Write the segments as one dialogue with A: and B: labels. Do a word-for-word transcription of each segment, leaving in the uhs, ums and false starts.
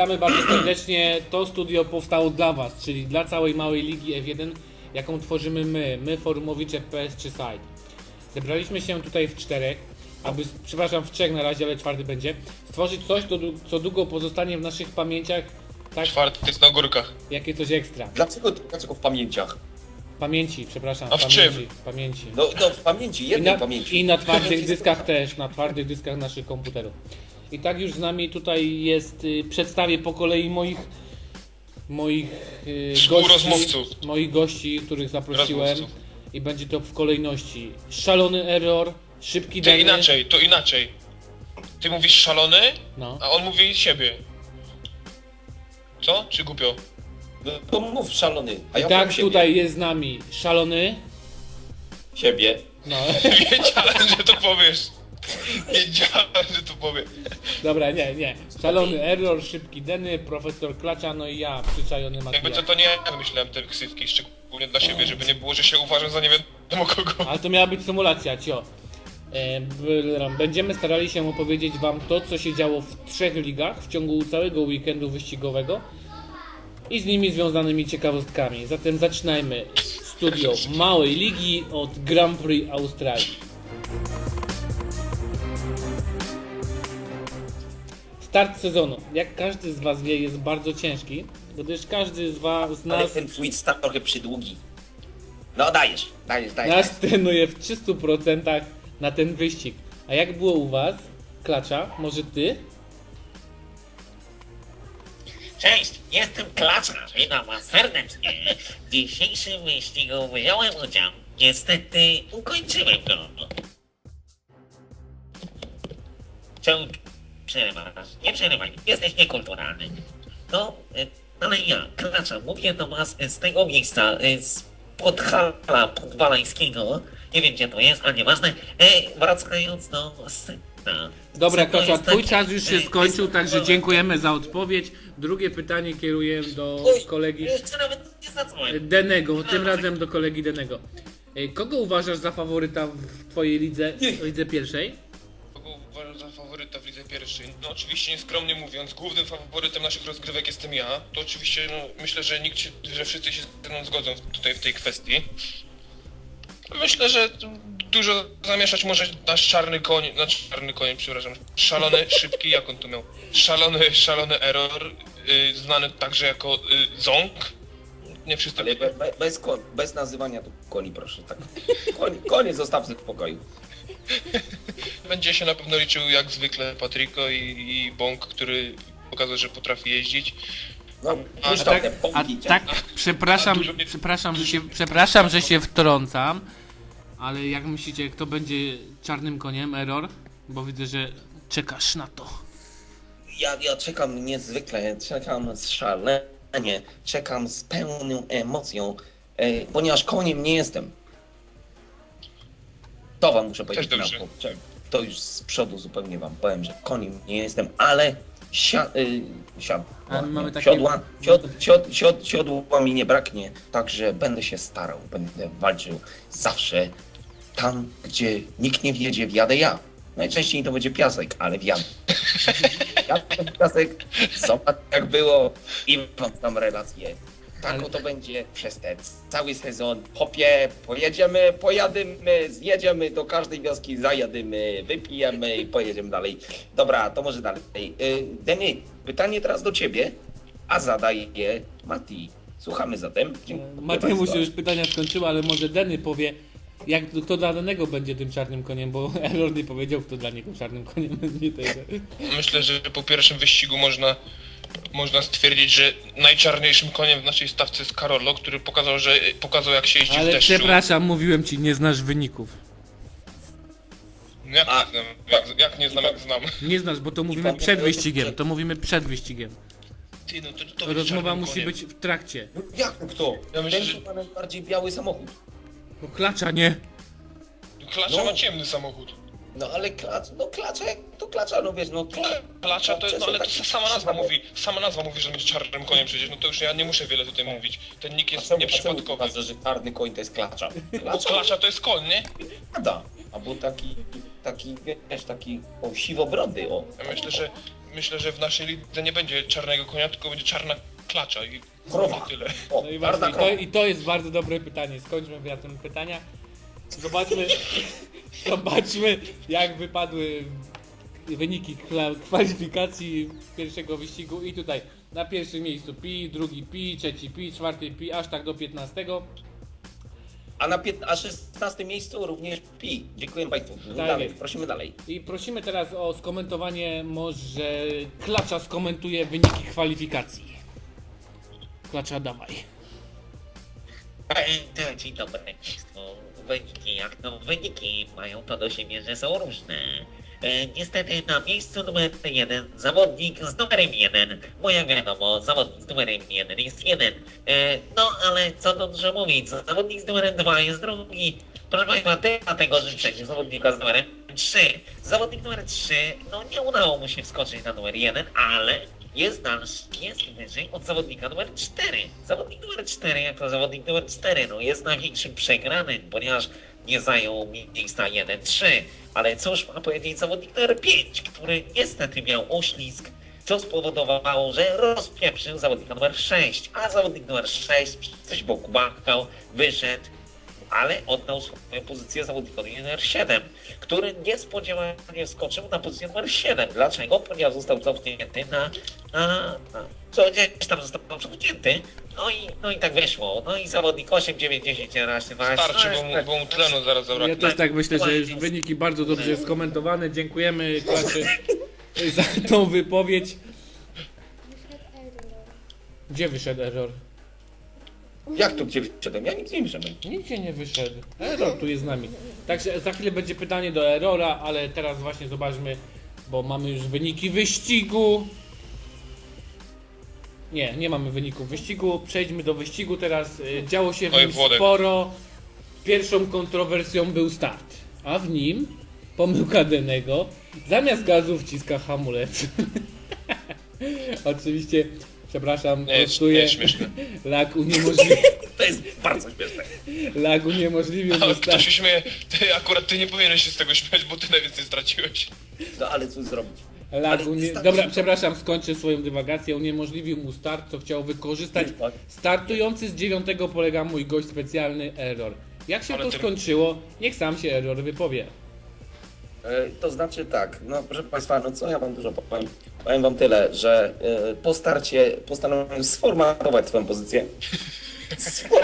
A: Witamy bardzo serdecznie. To studio powstało dla Was, czyli dla całej małej ligi F jeden, jaką tworzymy my, my forumowicze P S trzy Site. Zebraliśmy się tutaj w czterech, aby, przepraszam, w trzech na razie, ale czwarty będzie, stworzyć coś, to, co długo pozostanie w naszych pamięciach, tak,
B: Czwarty jest na górkach.
A: jakie coś ekstra.
C: Dlaczego, dlaczego w pamięciach?
A: Pamięci, przepraszam,
B: A w
A: pamięci,
B: czym?
A: pamięci.
C: No, no w pamięci,
A: I
C: jednej
A: na,
C: pamięci.
A: I na twardych
C: Pamięci
A: dyskach też, na twardych dyskach naszych komputerów. I tak już z nami tutaj jest, y, przedstawię po kolei moich moich y,
B: Współrozmówców.
A: gości, moich gości, których zaprosiłem
B: Rozmówców.
A: i będzie to w kolejności. Szalony Error, Szybki
B: Ty
A: Dany.
B: inaczej, to inaczej. Ty mówisz szalony,
A: No.
B: a on mówi siebie. Co? Czy głupio?
C: No to mów szalony, a
A: I
C: ja
A: tak
C: powiem siebie.
A: tutaj jest z nami Szalony.
C: Siebie.
A: No.
B: Wiedziałem, że to powiesz. Wiedziałem, że to powie.
A: Dobra, nie, nie. Szalony Error, Szybki Dany, Profesor Klacza, no i ja, przyczajony
B: Jakby
A: Mateusz.
B: co, to nie ja wymyślałem te ksywki, szczególnie dla siebie, żeby nie było, że się uważam za nie wiadomo kogo.
A: Ale to miała być symulacja, cio. E, b- Będziemy starali się opowiedzieć Wam to, co się działo w trzech ligach w ciągu całego weekendu wyścigowego i z nimi związanymi ciekawostkami. Zatem zaczynajmy studio małej ligi od Grand Prix Australii. Start sezonu, jak każdy z Was wie, jest bardzo ciężki, gdyż każdy z Was, z
C: Ale
A: nas,
C: ten twój start trochę przydługi. No dajesz, dajesz, dajesz.
A: nas trenuje w trzystu procentach na ten wyścig. A jak było u Was? Klacza, może Ty?
D: Cześć, jestem Klacz, witam was serdecznie. W dzisiejszym wyścigu wziąłem udział. Niestety ukończyłem go. Czemu przerywasz? Nie przerywaj, jesteś niekulturalny. No, y, ale ja, Klacza, mówię do was z tego miejsca, y, z Podhala Podwalańskiego. Nie wiem gdzie to jest, ale nieważne. E, wracając do sedna.
A: Dobra,
D: Sedno
A: Klacza,
D: jest
A: Twój
D: taki,
A: czas już się
D: y,
A: skończył,
D: jest-
A: także dziękujemy za odpowiedź. Drugie pytanie kieruję do
D: Oj,
A: kolegi
D: Jeszcze nawet nie zadzwoniłem.
A: Denego, tym razem do kolegi Denego. E, Kogo uważasz za faworyta w Twojej lidze, lidze pierwszej?
B: Kogo uważam za faworyta w lidze pierwszej? No oczywiście nieskromnie mówiąc, głównym faworytem naszych rozgrywek jestem ja. To oczywiście, no myślę, że nikt się, że wszyscy się ze mną zgodzą w- tutaj w tej kwestii. Myślę, że dużo zamieszać może nasz czarny koń, znaczy czarny koń, przepraszam, szalony, szybki, jak on tu miał? Szalony, szalony Error, y, znany także jako y, Ząg. Nie wszyscy.
C: Ale be, be, bez, ko- bez nazywania tu koni, proszę, tak. Konie, konie zostawmy w pokoju.
B: Będzie się na pewno liczył jak zwykle Patrico i, i Bąk, który pokazał, że potrafi jeździć.
C: No,
B: A
C: puszczał
A: tak,
C: te
A: a
C: pomki.
A: tak, przepraszam,
B: dużo mnie-
A: przepraszam, że się, przepraszam, że się wtrącam, ale jak myślicie, kto będzie czarnym koniem, Error? Bo widzę, że czekasz na to.
C: Ja, ja czekam niezwykle, czekam szalenie, czekam z pełną emocją, e, ponieważ koniem nie jestem. To wam muszę powiedzieć na
B: dobrze.
C: to. To już z przodu zupełnie wam powiem, że koniem nie jestem, ale sia, y, siad,
A: A my mamy
C: nie,
A: takie-
C: siodła, siod, siod, siod, siodła mi nie braknie, także będę się starał, będę walczył zawsze tam, gdzie nikt nie wjedzie, wjadę ja. Najczęściej to będzie piasek, ale wjadę. Jadę w piasek, zobacz jak było i mam tam relację. Tak
A: Ale-
C: oto będzie przez ten cały sezon. Hopie, pojedziemy, pojadymy, zjedziemy do każdej wioski, zajadymy, wypijemy i pojedziemy dalej. Dobra, to może dalej. Yy, Denny, pytanie teraz do ciebie, a zadaje je Mati. Słuchamy zatem. Dziękuję
A: Mateusz
C: bardzo.
A: się już pytania skończyły, ale może Deny powie, jak, kto dla Danego będzie tym czarnym koniem, bo Error nie powiedział, kto dla niego czarnym koniem będzie tego.
B: Myślę, że po pierwszym wyścigu można, można stwierdzić, że najczarniejszym koniem w naszej stawce jest Karolo, który pokazał, że pokazał jak się jeździ w
A: Ale
B: deszczu.
A: przepraszam, mówiłem ci, nie znasz wyników.
B: Jak
C: A-
B: nie znam, jak, jak nie znam, jak znam.
A: Nie znasz, bo to mówimy
C: pan-
A: przed wyścigiem, to mówimy przed wyścigiem.
B: Ty, no to, to będzie
A: Rozmowa
B: czarnym
A: musi
B: koniem.
A: być w trakcie.
C: No jak to kto?
B: Ja myślę,
C: Ten,
B: że-
C: co ma najbardziej biały samochód.
A: No klacza, nie?
B: Klacza
C: No.
B: ma ciemny samochód.
C: No ale klacz, no klacza, to klacza, no wiesz, no klacz.
B: Klacza to jest, no ale to
C: taki-
B: sama nazwa mówi, sama nazwa mówi, że on jest czarnym koniem przecież, no to już ja nie muszę wiele tutaj mówić. Ten nick
C: A
B: jest
C: czemu, a czemu
B: nieprzypadkowy.
C: uważasz, że czarny koń to jest klacza?
B: Bo
C: Klacza
B: klacza to jest koń, nie?
C: pada. Albo taki, taki, wiesz, taki, o, siwobrody, o.
B: Ja myślę, że myślę, że w naszej lidze nie będzie czarnego konia, tylko będzie czarna klacza i
C: Krowa.
B: tyle.
C: O,
A: No i
C: czarna
A: właśnie, i to,
C: krowa.
A: i to jest bardzo dobre pytanie. Skończmy wyjazdem pytania. Zobaczmy, zobaczmy jak wypadły wyniki kla- kwalifikacji pierwszego wyścigu. I tutaj na pierwszym miejscu Pi, drugi Pi, trzeci Pi, czwarty Pi, aż tak do piętnastego.
C: A na pięt- a szesnastym miejscu również Pi. Dziękuję Państwu.
A: Tak
C: dalej,
A: jest.
C: prosimy dalej.
A: I prosimy teraz o skomentowanie, może Klacza skomentuje wyniki kwalifikacji. Klacza, dawaj.
D: E, to Dzień dobry Państwu. Wyniki jak to wyniki mają to do siebie, że są różne. E, niestety na miejscu numer jeden zawodnik z numerem jeden, bo jak wiadomo, zawodnik z numerem jeden jest jeden. E, no ale co tu dużo mówić, zawodnik z numerem dwa jest drugi. Proszę Państwa, dlatego życzę zawodnika z numerem trzy. Zawodnik numer trzy, no nie udało mu się wskoczyć na numer jeden, ale jest dalszy, jest wyżej od zawodnika numer cztery. Zawodnik numer cztery, jak to zawodnik numer cztery, no jest największym przegranym, ponieważ nie zajął miejsca jeden trzy. Ale cóż ma powiedzieć zawodnik numer pięć, który niestety miał oślizg, co spowodowało, że rozpieprzył zawodnika numer sześć, a zawodnik numer sześć coś boku machał, wyszedł, ale oddał swoją pozycję zawodnikowi numer siedem, który niespodziewanie wskoczył na pozycję numer siedem. Dlaczego? Ponieważ został cofnięty na... na, na co gdzieś tam został cofnięty, no i, no i tak wyszło. No i zawodnik osiem, dziewięć, dziesięć, jedenaście, dwanaście...
B: Starczy, bo mu, bo mu tlenu zaraz
A: Ja
B: zabraknie.
A: też tak myślę, że już wyniki bardzo dobrze skomentowane. Dziękujemy Klaczy za tą wypowiedź. Gdzie wyszedł error?
C: Jak tu gdzie wyszedłem? Ja nic nie wyszedłem.
A: Nigdzie nie wyszedł. Error tu jest z nami. Także za chwilę będzie pytanie do Errora, ale teraz właśnie zobaczmy, bo mamy już wyniki wyścigu. Nie, nie mamy wyników wyścigu. Przejdźmy do wyścigu teraz. Y, Działo się w
B: Oj,
A: nim
B: Włodek.
A: sporo. Pierwszą kontrowersją był start, a w nim pomyłka Denego. Zamiast gazu wciska hamulec. Oczywiście, przepraszam,
B: Nie,
A: prostuję.
B: nie, śmieszne.
A: Lag uniemożliwił,
C: To jest bardzo śmieszne.
A: lag uniemożliwił
B: A
A: mu
B: kto
A: start.
B: się śmieje? Ty, akurat ty nie powinieneś się z tego śmiać, bo ty najwięcej straciłeś.
C: No ale cóż zrobić?
A: Lag
C: Ale
A: unie...
C: wystarczy-
A: Dobra, przepraszam, skończę swoją dywagację. Uniemożliwił mu start, co chciał wykorzystać startujący z dziewiątego polega mój gość specjalny Error. Jak się
B: Ale
A: to
B: ty-
A: skończyło? Niech sam się Error wypowie.
C: E, To znaczy tak, no proszę Państwa, no co ja Wam dużo powiem? Powiem Wam tyle, że e, po starcie postanowiłem sformatować swoją pozycję. Sfor...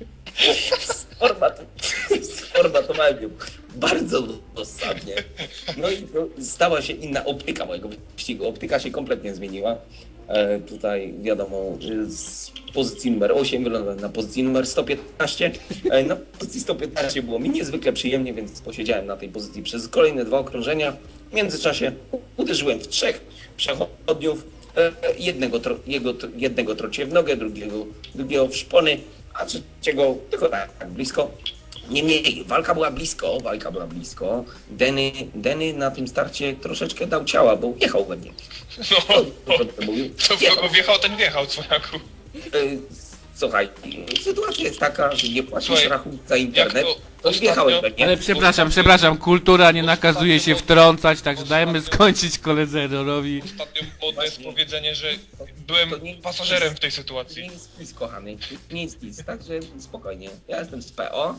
C: Sformat... Sformatowałem ją bardzo dosadnie. No i to stała się inna optyka mojego wyścigu. Optyka się kompletnie zmieniła. E, tutaj wiadomo, że z pozycji numer osiem wylądowałem na pozycji numer sto piętnaście. E, na pozycji sto piętnaście było mi niezwykle przyjemnie, więc posiedziałem na tej pozycji przez kolejne dwa okrążenia. W międzyczasie uderzyłem w trzech przechodniów. E, jednego, tro, jego, jednego trociłem w nogę, drugiego, drugiego w szpony, a trzeciego tylko tak, tak blisko. Niemniej, walka była blisko, walka była blisko. Denny, Denny na tym starcie troszeczkę dał ciała, bo jechał we mnie.
B: No,
C: To, to, to mówił.
B: to w kogo wjechał, ten wjechał, cwaniaku.
C: E, Słuchaj, sytuacja jest taka, że nie płacisz
B: Słuchaj,
C: rachunku za
B: Jak
C: internet,
B: to
C: to
B: ostatnio-
C: wjechałeś we mnie.
A: Ale przepraszam, przepraszam, kultura nie nakazuje się wtrącać, także dajmy skończyć koledze Errorowi.
B: Ostatnio modne jest
C: Właśnie.
B: powiedzenie, że byłem
C: To nie-
B: pasażerem w tej
C: Nie
B: sytuacji.
C: jest nic, kochany, nie jest nic, także spokojnie. Ja jestem z P O,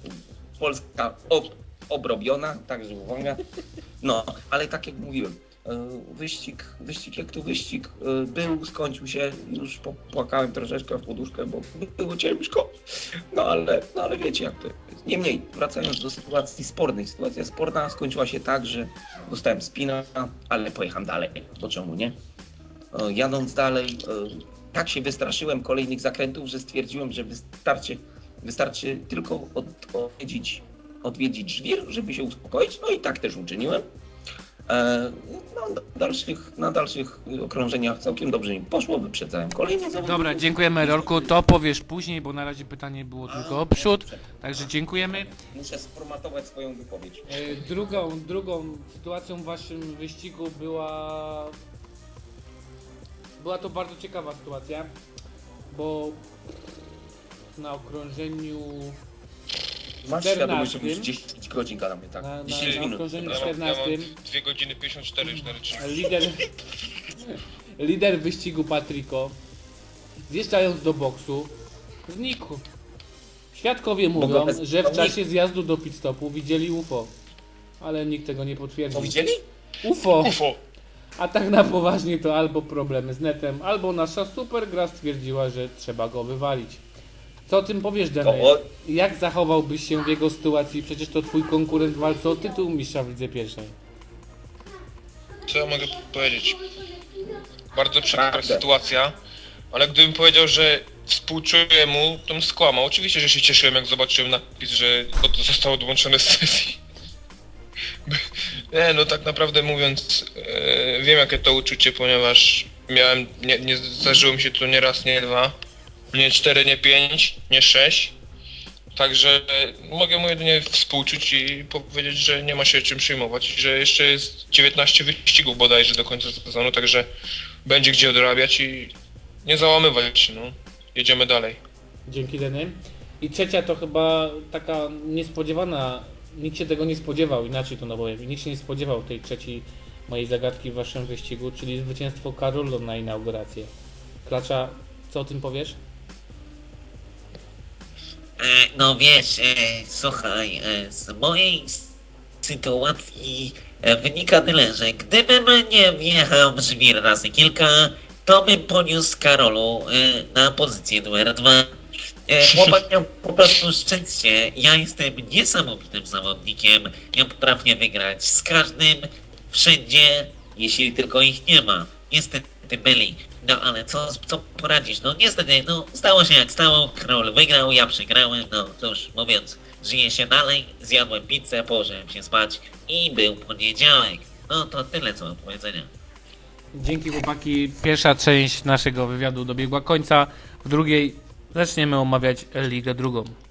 C: Polska ob, obrobiona, także uwaga. No, ale tak jak mówiłem, e, wyścig, wyścig jak to wyścig e, był, skończył się, już popłakałem troszeczkę w poduszkę, bo było ciężko. No ale, no ale wiecie jak to jest. Niemniej, wracając do sytuacji spornej, sytuacja sporna skończyła się tak, że dostałem spina, ale pojechałem dalej, to czemu nie? E, Jadąc dalej, e, tak się wystraszyłem kolejnych zakrętów, że stwierdziłem, że wystarczy, wystarczy tylko od, odwiedzić, odwiedzić żwir, żeby się uspokoić. No i tak też uczyniłem. E, no, na, dalszych, na dalszych okrążeniach całkiem dobrze mi poszło, wyprzedzałem kolejne zawodników.
A: Dobra, dziękujemy Errorku, to powiesz później, bo na razie pytanie było tylko o przód. Także dziękujemy.
C: Muszę sformatować swoją wypowiedź.
A: E, Drugą, drugą sytuacją w waszym wyścigu była... Była to bardzo ciekawa sytuacja, bo na okrążeniu
C: Masz świadomość, że
A: czternastym
C: już dziesięć godzin gadamy, tak?
A: Na- na-
C: dziesięć
A: na
C: minut.
A: okrążeniu
B: Ja mam, ja
A: czternastym
B: mam dwie godziny pięćdziesiąt cztery już na ręczniku.
A: lider, lider wyścigu Patrico, zjeżdżając do boksu, znikł. Świadkowie mówią,
C: Mogę bez-
A: że w czasie zjazdu do pit stopu widzieli U F O, ale nikt tego nie
C: To
A: potwierdził.
C: widzieli?
A: U F O!
B: Ufo!
A: A tak na poważnie to albo problemy z netem, albo nasza super gra stwierdziła, że trzeba go wywalić. Co o tym powiesz, Dene?
C: O-
A: Jak zachowałbyś się w jego sytuacji? Przecież to twój konkurent w walce o tytuł mistrza w lidze pierwszej.
B: Co ja mogę powiedzieć? Bardzo przykra
C: Prawdę.
B: sytuacja, ale gdybym powiedział, że współczuję mu, to bym skłamał. Oczywiście, że się cieszyłem, jak zobaczyłem napis, że to zostało odłączone z sesji. Nie, no tak naprawdę mówiąc, e, wiem jakie to uczucie, ponieważ miałem, nie, nie zdarzyło mi się to nie raz, nie dwa, nie cztery, nie pięć, nie sześć. Także e, mogę mu jedynie współczuć i powiedzieć, że nie ma się czym przejmować, że jeszcze jest dziewiętnaście wyścigów bodajże do końca sezonu, także będzie gdzie odrabiać i nie załamywać się, no. Jedziemy dalej.
A: Dzięki, Deny. I trzecia to chyba taka niespodziewana, nikt się tego nie spodziewał, inaczej to no powiem, nikt się nie spodziewał tej trzeciej mojej zagadki w waszym wyścigu, czyli zwycięstwo Karolo na inaugurację. Klacza, co o tym powiesz?
D: E, No wiesz, e, słuchaj, e, z mojej s- sytuacji e, wynika tyle, że gdybym nie wjechał w żwir razy kilka, to bym poniósł Karolu e, na pozycję numer dwa. E, Chłopak miał po prostu szczęście. Ja jestem niesamowitym zawodnikiem. Ja potrafię wygrać z każdym, wszędzie, jeśli tylko ich nie ma. Niestety byli. No ale co, co poradzisz? No niestety, no stało się jak stało. Król wygrał, ja przegrałem. No cóż, mówiąc, żyje się dalej. Zjadłem pizzę, położyłem się spać i był poniedziałek. No to tyle co mam do powiedzenia.
A: Dzięki, chłopaki. Pierwsza część naszego wywiadu dobiegła końca. W drugiej zaczniemy omawiać Ligę drugą.